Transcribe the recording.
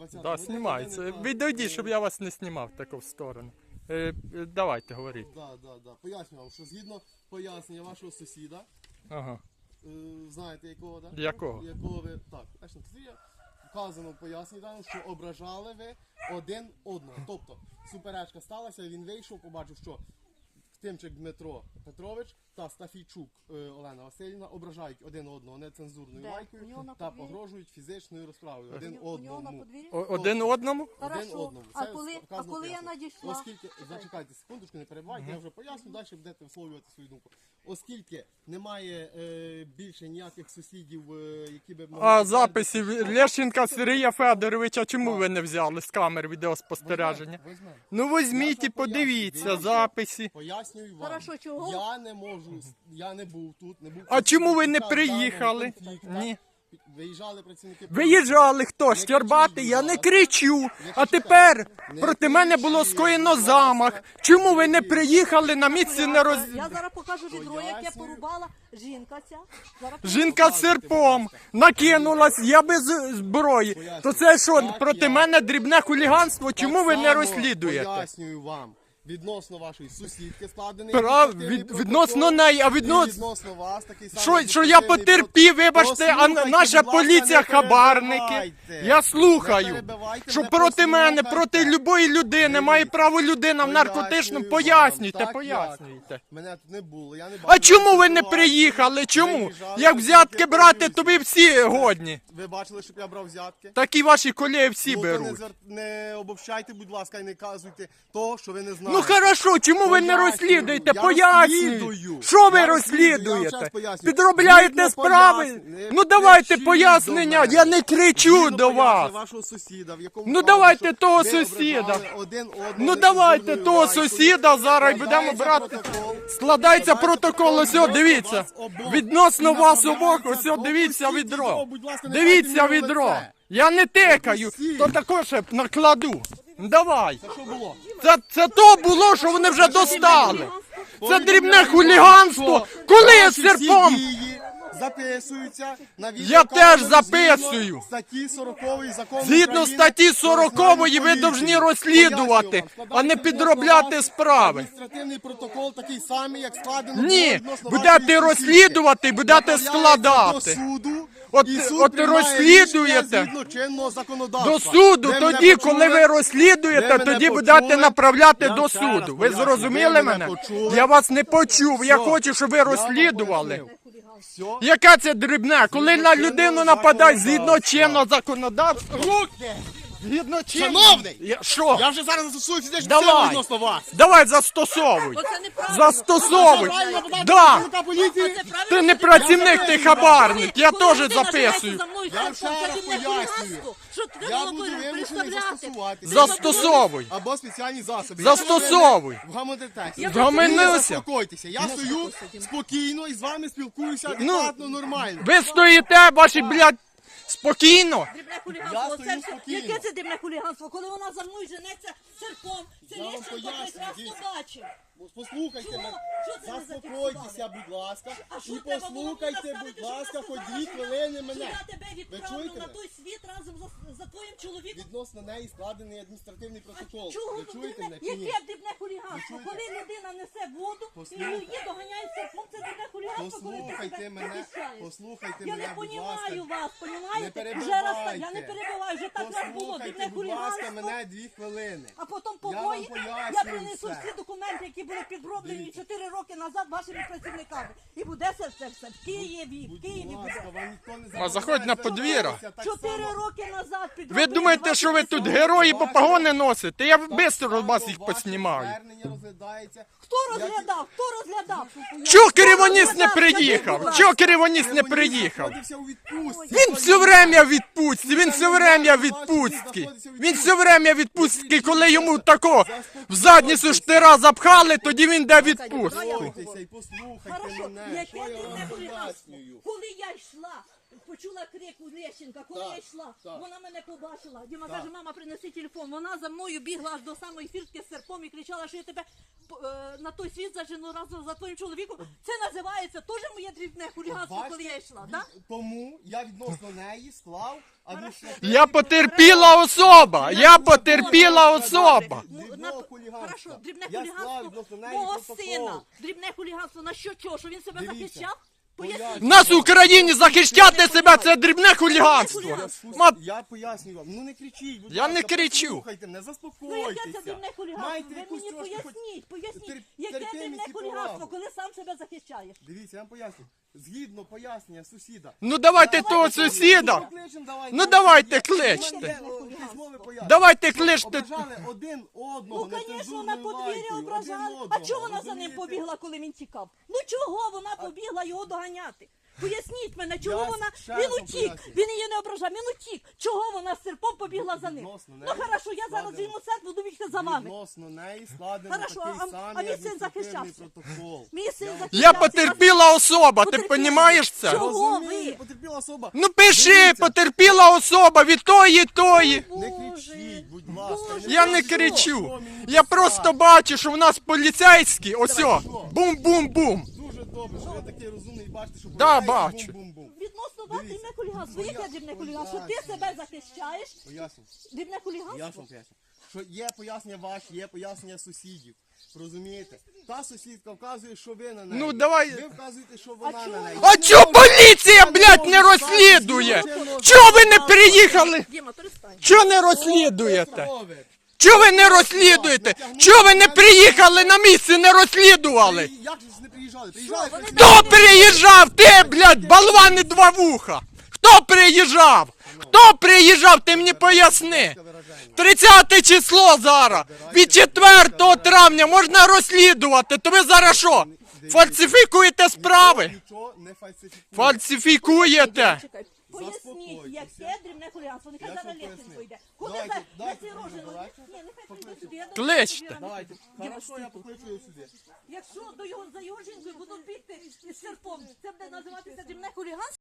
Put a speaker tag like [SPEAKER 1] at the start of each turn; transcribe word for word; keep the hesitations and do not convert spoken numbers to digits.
[SPEAKER 1] двадцятий.
[SPEAKER 2] Да, знімається. Відійдіть, щоб я вас не знімав таку в сторону. Е, е, давайте, говоріть.
[SPEAKER 1] Да, да, да. Поясню вам, що згідно пояснення вашого сусіда,
[SPEAKER 2] Ага.
[SPEAKER 1] е, знаєте якого, да?
[SPEAKER 2] Якого?
[SPEAKER 1] Якого ви, так, значить, це є вказано в поясненні, даному, що ображали ви один одного. Тобто, суперечка сталася, він вийшов, побачив, що Тимчик Дмитро Петрович та Стафійчук е, Олена Васильівна ображають один одного нецензурною
[SPEAKER 3] Де? У
[SPEAKER 1] лайкою
[SPEAKER 3] нього на
[SPEAKER 1] та
[SPEAKER 3] подвір'ї?
[SPEAKER 1] погрожують фізичною розправою один
[SPEAKER 3] У нього на
[SPEAKER 1] одному.
[SPEAKER 3] подвір'ї?
[SPEAKER 2] О- один одному?
[SPEAKER 1] Один
[SPEAKER 3] Хорошо.
[SPEAKER 1] одному.
[SPEAKER 3] А
[SPEAKER 1] Це
[SPEAKER 3] коли, а
[SPEAKER 1] вказано
[SPEAKER 3] коли я
[SPEAKER 1] пояснення.
[SPEAKER 3] надійшла?
[SPEAKER 1] Оскільки, зачекайте секундочку, не перебувайте, я вже поясню, далі будете висловлювати свою думку. Оскільки немає е, більше ніяких сусідів, е, які би могли...
[SPEAKER 2] А записів Лещенка Сергія Федоровича чому ви не взяли з камер відеоспостереження?
[SPEAKER 1] Візьмемо.
[SPEAKER 2] Ну візьміть і подивіться записи.
[SPEAKER 1] Пояснюю вам.
[SPEAKER 3] Хорошо, чого?
[SPEAKER 1] Я не можу, я не був тут, не був...
[SPEAKER 2] А чому ви не
[SPEAKER 1] під час
[SPEAKER 2] приїхали?
[SPEAKER 1] даного конфлікту.
[SPEAKER 2] Ні.
[SPEAKER 1] Виїжджали працівники...
[SPEAKER 2] Виїжджали хто? Щербати, я не кричу. А тепер проти мене було скоєно замах. Чому ви не приїхали на місці не роз...
[SPEAKER 3] Я зараз покажу відро, яке порубала жінка ця. Зараз
[SPEAKER 2] Жінка з серпом накинулась, я без зброї. То це що, проти мене дрібне хуліганство? Чому ви не розслідуєте?
[SPEAKER 1] Пояснюю вам. Відносно вашої сусідки складений
[SPEAKER 2] Прав,
[SPEAKER 1] адміністративний
[SPEAKER 2] від,
[SPEAKER 1] протокол,
[SPEAKER 2] відносно неї, а
[SPEAKER 1] і
[SPEAKER 2] відносно...
[SPEAKER 1] відносно вас такий самий
[SPEAKER 2] Що, що я
[SPEAKER 1] адміністративний
[SPEAKER 2] потерпів,
[SPEAKER 1] протокол.
[SPEAKER 2] вибачте, а
[SPEAKER 1] Послухайте,
[SPEAKER 2] наша
[SPEAKER 1] будь ласка,
[SPEAKER 2] поліція
[SPEAKER 1] не
[SPEAKER 2] хабарники.
[SPEAKER 1] перебивайте.
[SPEAKER 2] Я
[SPEAKER 1] Не
[SPEAKER 2] слухаю,
[SPEAKER 1] перебивайте,
[SPEAKER 2] що
[SPEAKER 1] не
[SPEAKER 2] проти мене,
[SPEAKER 1] послухайте.
[SPEAKER 2] проти любої людини має право людина в наркотичному.
[SPEAKER 1] Пояснюю вам,
[SPEAKER 2] Пояснюйте,
[SPEAKER 1] так
[SPEAKER 2] пояснюйте.
[SPEAKER 1] як. Мене тут не було, я не
[SPEAKER 2] А
[SPEAKER 1] бачив
[SPEAKER 2] чому ви не
[SPEAKER 1] ситуації.
[SPEAKER 2] приїхали? Чому?
[SPEAKER 1] Виїжджали
[SPEAKER 2] Як взятки
[SPEAKER 1] працівники
[SPEAKER 2] брати,
[SPEAKER 1] поліції.
[SPEAKER 2] то ви всі годні.
[SPEAKER 1] Ви бачили, щоб я брав взятки?
[SPEAKER 2] Такі ваші колеги всі
[SPEAKER 1] Ну, то не,
[SPEAKER 2] беруть.
[SPEAKER 1] звер... не обобщайте, будь ласка, і не казуйте того, що ви не знаєте.
[SPEAKER 2] Ну хорошо, чому ви не
[SPEAKER 1] Пояснюю.
[SPEAKER 2] розслідуєте?
[SPEAKER 1] Я
[SPEAKER 2] Пояснюю.
[SPEAKER 1] розслідую.
[SPEAKER 2] Що ви
[SPEAKER 1] Я розслідую, я вам ще
[SPEAKER 2] розслідуєте?
[SPEAKER 1] раз пояснюю.
[SPEAKER 2] Підробляєте
[SPEAKER 1] Згідно
[SPEAKER 2] справи?
[SPEAKER 1] пояснень-
[SPEAKER 2] Ну давайте
[SPEAKER 1] кричіть
[SPEAKER 2] пояснення,
[SPEAKER 1] до мене.
[SPEAKER 2] я не кричу
[SPEAKER 1] Згідно
[SPEAKER 2] до вас.
[SPEAKER 1] пояснень вашого сусіда, в якому
[SPEAKER 2] Ну,
[SPEAKER 1] вказано,
[SPEAKER 2] давайте
[SPEAKER 1] що
[SPEAKER 2] того
[SPEAKER 1] ви
[SPEAKER 2] сусіда.
[SPEAKER 1] ображали один одного
[SPEAKER 2] Ну давайте
[SPEAKER 1] нецензурною
[SPEAKER 2] того
[SPEAKER 1] лайкою.
[SPEAKER 2] сусіда зараз будемо
[SPEAKER 1] Складається
[SPEAKER 2] брати.
[SPEAKER 1] протокол.
[SPEAKER 2] Складається протокол, ось,
[SPEAKER 1] Відносно
[SPEAKER 2] дивіться.
[SPEAKER 1] вас обох.
[SPEAKER 2] Відносно
[SPEAKER 1] І
[SPEAKER 2] вас обох,
[SPEAKER 1] направляється
[SPEAKER 2] ось,
[SPEAKER 1] до
[SPEAKER 2] дивіться
[SPEAKER 1] пустіть
[SPEAKER 2] відро.
[SPEAKER 1] відро, будь ласка, не
[SPEAKER 2] Дивіться
[SPEAKER 1] дайте мені в
[SPEAKER 2] відро.
[SPEAKER 1] лице.
[SPEAKER 2] Я не тикаю,
[SPEAKER 1] Пустіть.
[SPEAKER 2] то також накладу. Давай.
[SPEAKER 1] Це що було?
[SPEAKER 2] Це, це то було, що вони вже достали. Це
[SPEAKER 1] Повідомляю
[SPEAKER 2] дрібне
[SPEAKER 1] вам,
[SPEAKER 2] хуліганство.
[SPEAKER 1] що
[SPEAKER 2] Коли я
[SPEAKER 1] ваші
[SPEAKER 2] з серпом...
[SPEAKER 1] всі дії записуються на
[SPEAKER 2] Я
[SPEAKER 1] відеокамеру
[SPEAKER 2] теж записую.
[SPEAKER 1] згідно статті сорокової закону
[SPEAKER 2] Згідно
[SPEAKER 1] України
[SPEAKER 2] статті
[SPEAKER 1] про
[SPEAKER 2] сорокової ви
[SPEAKER 1] національну
[SPEAKER 2] повинні
[SPEAKER 1] поліцію.
[SPEAKER 2] розслідувати,
[SPEAKER 1] Пояснюю вам,
[SPEAKER 2] а не
[SPEAKER 1] складається
[SPEAKER 2] підробляти
[SPEAKER 1] відносно вас
[SPEAKER 2] справи.
[SPEAKER 1] Адміністративний протокол такий самий, як складено було
[SPEAKER 2] Ні,
[SPEAKER 1] відносно
[SPEAKER 2] будете
[SPEAKER 1] вашої
[SPEAKER 2] розслідувати,
[SPEAKER 1] сусідки.
[SPEAKER 2] будете
[SPEAKER 1] Направляється
[SPEAKER 2] складати.
[SPEAKER 1] до суду,
[SPEAKER 2] От-
[SPEAKER 1] і суд
[SPEAKER 2] от
[SPEAKER 1] приймає
[SPEAKER 2] розслідуєте.
[SPEAKER 1] рішення згідно чинного законодавства.
[SPEAKER 2] До суду,
[SPEAKER 1] Ви мене
[SPEAKER 2] тоді,
[SPEAKER 1] почули?
[SPEAKER 2] коли ви розслідуєте,
[SPEAKER 1] Ви мене
[SPEAKER 2] тоді
[SPEAKER 1] почули?
[SPEAKER 2] будете направляти
[SPEAKER 1] Я
[SPEAKER 2] до
[SPEAKER 1] ще раз
[SPEAKER 2] суду. Ви
[SPEAKER 1] поясню.
[SPEAKER 2] зрозуміли
[SPEAKER 1] Ви
[SPEAKER 2] мене?
[SPEAKER 1] мене почули?
[SPEAKER 2] Я вас не почув. Я
[SPEAKER 1] Все.
[SPEAKER 2] хочу, щоб ви
[SPEAKER 1] Я вам
[SPEAKER 2] розслідували.
[SPEAKER 1] пояснив. Все.
[SPEAKER 2] Яке це дрібне? Коли на людину нападають згідно
[SPEAKER 1] законодавства.
[SPEAKER 2] чинного законодавства. Руки! Згідно чинного.
[SPEAKER 1] Шановний!
[SPEAKER 2] Я- Що?
[SPEAKER 1] Я вже зараз застосую фізичну
[SPEAKER 2] Давай.
[SPEAKER 1] силу відносно вас.
[SPEAKER 2] Давай застосовуй.
[SPEAKER 3] Оце неправильно.
[SPEAKER 2] Застосовуй.
[SPEAKER 1] Правильно подати
[SPEAKER 2] Да.
[SPEAKER 1] працівника поліції.
[SPEAKER 3] Оце правильно,
[SPEAKER 2] Ти не
[SPEAKER 3] що
[SPEAKER 2] працівник, ти хабарник. Я
[SPEAKER 3] Коли
[SPEAKER 2] теж
[SPEAKER 3] людина
[SPEAKER 2] записую.
[SPEAKER 3] живеться за мною
[SPEAKER 1] Я
[SPEAKER 3] серпом,
[SPEAKER 1] ще раз
[SPEAKER 3] це дрібне
[SPEAKER 1] пояснюю.
[SPEAKER 3] хуліганство. Що ти
[SPEAKER 1] Я
[SPEAKER 3] було
[SPEAKER 1] буду вимушений
[SPEAKER 3] представляти?
[SPEAKER 1] застосувати.
[SPEAKER 2] Застосовуй.
[SPEAKER 1] Або спеціальні засоби.
[SPEAKER 2] Застосовуй.
[SPEAKER 1] В гамонтетексті.
[SPEAKER 2] Вгамонився.
[SPEAKER 1] Заспокойтеся. Я стою спокійно і з вами спілкуюся адекватно, нормально.
[SPEAKER 2] Ви стоїте, ваші, блядь, спокійно.
[SPEAKER 3] Дрібне
[SPEAKER 1] Я
[SPEAKER 3] хуліганство.
[SPEAKER 1] стою
[SPEAKER 3] Це все-
[SPEAKER 1] спокійно.
[SPEAKER 3] Яке це дрібне хуліганство? Коли вона за мною женеться серпом, це
[SPEAKER 1] Я вам
[SPEAKER 3] Лещенко
[SPEAKER 1] поясню,
[SPEAKER 3] прекрасно
[SPEAKER 1] дивіться.
[SPEAKER 3] бачив.
[SPEAKER 1] Послухайте
[SPEAKER 3] Чого?
[SPEAKER 1] мене.
[SPEAKER 3] Що це ви
[SPEAKER 1] Заспокойтеся, будь ласка.
[SPEAKER 3] А що
[SPEAKER 1] І
[SPEAKER 3] треба було мені
[SPEAKER 1] послухайте,
[SPEAKER 3] наставити,
[SPEAKER 1] будь
[SPEAKER 3] щоб
[SPEAKER 1] ласка,
[SPEAKER 3] вона
[SPEAKER 1] хоч
[SPEAKER 3] сказала,
[SPEAKER 1] дві
[SPEAKER 3] що-
[SPEAKER 1] хвилини
[SPEAKER 3] що
[SPEAKER 1] мене.
[SPEAKER 3] я тебе
[SPEAKER 1] Ви
[SPEAKER 3] відправлю
[SPEAKER 1] чуєте
[SPEAKER 3] на
[SPEAKER 1] мене?
[SPEAKER 3] той світ разом за, за твоїм чоловіком?
[SPEAKER 1] Відносно неї складений адміністративний протокол.
[SPEAKER 3] Чого
[SPEAKER 1] Ви
[SPEAKER 3] ви
[SPEAKER 1] чуєте
[SPEAKER 3] дрібне-
[SPEAKER 1] мене чи ні?
[SPEAKER 3] Яке дрібне хуліганство?
[SPEAKER 1] чуєте?
[SPEAKER 3] Коли людина несе воду, і
[SPEAKER 1] Послухайте.
[SPEAKER 3] її доганяють серпом, це дрібне хуліганство, коли ти
[SPEAKER 1] Послухайте
[SPEAKER 3] себе
[SPEAKER 1] мене,
[SPEAKER 3] захищаєш.
[SPEAKER 1] послухайте
[SPEAKER 3] Я
[SPEAKER 1] мене,
[SPEAKER 3] не
[SPEAKER 1] будь ласка.
[SPEAKER 3] понімаю вас, понімаєте?
[SPEAKER 1] Не
[SPEAKER 3] Вже раз так, я не
[SPEAKER 1] перебивайте.
[SPEAKER 3] перебиваю, вже так раз було,
[SPEAKER 1] Послухайте,
[SPEAKER 3] дрібне
[SPEAKER 1] будь ласка,
[SPEAKER 3] хуліганство.
[SPEAKER 1] мене дві хвилини.
[SPEAKER 3] А потім
[SPEAKER 1] Я вам
[SPEAKER 3] побої, я,
[SPEAKER 1] пояснюю
[SPEAKER 3] принесу
[SPEAKER 1] все.
[SPEAKER 3] всі документи, які були підроблені чотири роки назад вашими працівниками. І буде це все, все в Києві, в
[SPEAKER 1] Будь
[SPEAKER 3] Києві
[SPEAKER 1] ласка,
[SPEAKER 3] буде.
[SPEAKER 1] вам ніхто не
[SPEAKER 2] А заходь на подвір'я.
[SPEAKER 3] Чотири роки назад
[SPEAKER 2] Ви
[SPEAKER 3] підроблені
[SPEAKER 2] думаєте,
[SPEAKER 3] ваші
[SPEAKER 2] що ви тут
[SPEAKER 3] працівники.
[SPEAKER 2] герої по погони носите? Я швидко вас
[SPEAKER 1] Ваше
[SPEAKER 2] їх поснімаю.
[SPEAKER 1] звернення розглядається.
[SPEAKER 3] Хто розглядав? Хто розглядав?
[SPEAKER 2] Чого Кривоніс не
[SPEAKER 3] розглядав?
[SPEAKER 2] приїхав?
[SPEAKER 3] Скажіть,
[SPEAKER 2] Чого Кривоніс не
[SPEAKER 1] Кривоніс
[SPEAKER 2] приїхав?
[SPEAKER 1] знаходився у відпустці.
[SPEAKER 2] Він все время в відпустці, він все время в відпустці. Він все время в відпустці, коли йому тако в задницю штира запхали, тоді він йде в відпустку.
[SPEAKER 1] Заспокойтеся і послухайте
[SPEAKER 3] Хорошо,
[SPEAKER 1] мене.
[SPEAKER 3] яке
[SPEAKER 1] Що я
[SPEAKER 3] дрібне
[SPEAKER 1] вам
[SPEAKER 3] хуліганство?
[SPEAKER 1] пояснюю?
[SPEAKER 3] Коли я йшла, почула крик у Лещенка, коли
[SPEAKER 1] Так,
[SPEAKER 3] я йшла.
[SPEAKER 1] так.
[SPEAKER 3] Вона мене побачила. Діма
[SPEAKER 1] Так.
[SPEAKER 3] каже, мама, принеси телефон. Вона за мною бігла аж до самої фіртки з серпом і кричала, що я тебе е, на той світ зажену разом за твоїм чоловіком. Це називається теж моє дрібне хуліганство, коли
[SPEAKER 1] Бачите,
[SPEAKER 3] я йшла,
[SPEAKER 1] від-
[SPEAKER 3] так?
[SPEAKER 1] Тому я відносно неї склав адміністративний
[SPEAKER 2] Я потерпіла особа, я потерпіла особа.
[SPEAKER 1] Дрібного
[SPEAKER 3] На-
[SPEAKER 1] хуліганства.
[SPEAKER 3] Хорошо, дрібне
[SPEAKER 1] Я склав
[SPEAKER 3] хуліганство
[SPEAKER 1] відносно неї
[SPEAKER 3] мого
[SPEAKER 1] протокол.
[SPEAKER 3] сина. Дрібне хуліганство на що чого? Що він себе
[SPEAKER 1] Дивіться.
[SPEAKER 3] захищав?
[SPEAKER 2] В
[SPEAKER 3] Поясніть.
[SPEAKER 2] нас в Україні захищати себе це дрібне хуліганство.
[SPEAKER 1] Я,
[SPEAKER 2] Мат-
[SPEAKER 1] я пояснюю вам, ну не кричіть, будь
[SPEAKER 2] Я
[SPEAKER 1] ласка,
[SPEAKER 2] не кричу.
[SPEAKER 3] Ну
[SPEAKER 1] послухайте мене,
[SPEAKER 3] яке це
[SPEAKER 1] заспокойтеся.
[SPEAKER 3] дрібне хуліганство?
[SPEAKER 1] Майте
[SPEAKER 3] Ви
[SPEAKER 1] якусь
[SPEAKER 3] мені
[SPEAKER 1] трошки хоч
[SPEAKER 3] поясніть, поясніть,
[SPEAKER 1] тер-
[SPEAKER 3] яке
[SPEAKER 1] терпимість
[SPEAKER 3] дрібне
[SPEAKER 1] і
[SPEAKER 3] хуліганство,
[SPEAKER 1] повагу.
[SPEAKER 3] коли сам себе захищаєш?
[SPEAKER 1] Дивіться, я вам поясню. Згідно пояснення сусіда.
[SPEAKER 2] Ну давайте того сусіда.
[SPEAKER 1] Покличемо, давайте.
[SPEAKER 2] Ну давайте
[SPEAKER 1] Я-
[SPEAKER 2] кличте.
[SPEAKER 1] У мене, о, письмове пояснення.
[SPEAKER 2] Давайте кличте.
[SPEAKER 1] Ображали один одного.
[SPEAKER 3] Ну, звісно,
[SPEAKER 1] нецензурною
[SPEAKER 3] на подвір'я
[SPEAKER 1] лайкою,
[SPEAKER 3] ображали.
[SPEAKER 1] один
[SPEAKER 3] А
[SPEAKER 1] одного,
[SPEAKER 3] чого вона за ним
[SPEAKER 1] розумієте?
[SPEAKER 3] побігла, коли він тікав? Ну чого вона побігла його доганяти? Поясніть мене, чого
[SPEAKER 1] Я
[SPEAKER 3] вона.
[SPEAKER 1] ще
[SPEAKER 3] Він
[SPEAKER 1] раз вам
[SPEAKER 3] утік,
[SPEAKER 1] пояснюю.
[SPEAKER 3] він її не ображав, він утік. Чого вона з серпом побігла за ним?
[SPEAKER 1] Відносно
[SPEAKER 3] Ну
[SPEAKER 1] неї
[SPEAKER 3] хорошо, я зараз
[SPEAKER 1] складено.
[SPEAKER 3] візьму серп, буду бігти за вами.
[SPEAKER 1] Відносно неї складено
[SPEAKER 3] Хорошо,
[SPEAKER 1] такий
[SPEAKER 3] а- а
[SPEAKER 1] самий
[SPEAKER 3] мій син
[SPEAKER 1] адміністративний
[SPEAKER 3] захищався.
[SPEAKER 1] протокол.
[SPEAKER 3] Мій син захищався.
[SPEAKER 2] Я потерпіла особа, ти
[SPEAKER 3] Потерпіла.
[SPEAKER 2] розумієш це?
[SPEAKER 3] Чого?
[SPEAKER 1] Розумію,
[SPEAKER 3] ви?
[SPEAKER 1] потерпіла особа.
[SPEAKER 2] Ну пиши,
[SPEAKER 1] Дивіться.
[SPEAKER 2] потерпіла особа від тої, тої.
[SPEAKER 1] Не
[SPEAKER 3] Боже,
[SPEAKER 1] кричіть, будь ласка.
[SPEAKER 3] Боже.
[SPEAKER 2] Я не
[SPEAKER 1] кажіть,
[SPEAKER 2] кричу.
[SPEAKER 1] що мені
[SPEAKER 2] Я
[SPEAKER 1] писати.
[SPEAKER 2] просто бачу, що в нас поліцейські, ось о,
[SPEAKER 1] що?
[SPEAKER 2] бум-бум-бум.
[SPEAKER 1] Дуже добре, що ви такий розумний і бачите, що
[SPEAKER 2] Да,
[SPEAKER 1] поліцейський
[SPEAKER 2] бачу.
[SPEAKER 1] бум-бум-бум.
[SPEAKER 3] Відносно вас
[SPEAKER 1] Дивіться.
[SPEAKER 3] дрібне хуліганство.
[SPEAKER 1] Ну,
[SPEAKER 3] Яке
[SPEAKER 1] я
[SPEAKER 3] дрібне хуліганство? Ти
[SPEAKER 1] пояснюю.
[SPEAKER 3] себе захищаєш?
[SPEAKER 1] Поясню.
[SPEAKER 3] Дрібне
[SPEAKER 1] Я ж
[SPEAKER 3] хуліганство?
[SPEAKER 1] вам поясню. Що є пояснення ваші, є пояснення сусідів. Розумієте? Та сусідка вказує, що ви на неї.
[SPEAKER 2] Ну, давай.
[SPEAKER 1] Ви вказуєте, що вона
[SPEAKER 3] чого
[SPEAKER 1] на неї.
[SPEAKER 3] ви-
[SPEAKER 2] А чо поліція, блядь, не розслідує? Чого ви не приїхали?
[SPEAKER 3] Діма, перестань.
[SPEAKER 2] Чого не розслідуєте?
[SPEAKER 1] Петрович,
[SPEAKER 2] Чого ви не розслідуєте? Чого ви не приїхали на місце, не розслідували?
[SPEAKER 1] Як же ж не приїжджали? Приїжджали.
[SPEAKER 3] вони
[SPEAKER 1] працювали.
[SPEAKER 2] Хто приїжджав? Ти, блядь, болвани два вуха. Хто приїжджав? Хто приїжджав? Ти мені поясни. тридцяте число зараз. Від четвертого травня можна розслідувати. То ви зараз що? Фальсифікуєте справи?
[SPEAKER 1] Нічого не фальсифікує.
[SPEAKER 2] Фальсифікуєте.
[SPEAKER 3] Чекай, поясніть,
[SPEAKER 1] Заспокойтеся.
[SPEAKER 3] яке дрібне хуліганство. Нехай
[SPEAKER 1] Я
[SPEAKER 3] зараз
[SPEAKER 1] вам
[SPEAKER 3] Лещенко
[SPEAKER 1] поясню.
[SPEAKER 3] йде. Куди
[SPEAKER 1] Давайте,
[SPEAKER 3] за
[SPEAKER 1] дайте
[SPEAKER 3] ці
[SPEAKER 1] мені,
[SPEAKER 3] рожі?
[SPEAKER 1] давайте.
[SPEAKER 3] Ні, нехай прийде сюди. Я
[SPEAKER 2] Кличте.
[SPEAKER 3] думаю,
[SPEAKER 1] Давайте.
[SPEAKER 3] Діма,
[SPEAKER 1] Хорошо, я
[SPEAKER 3] стій тут.
[SPEAKER 1] покличу його сюди.
[SPEAKER 3] Якщо до його за його жінкою будуть бігти із серпом, це буде називатися дрібне хуліганство?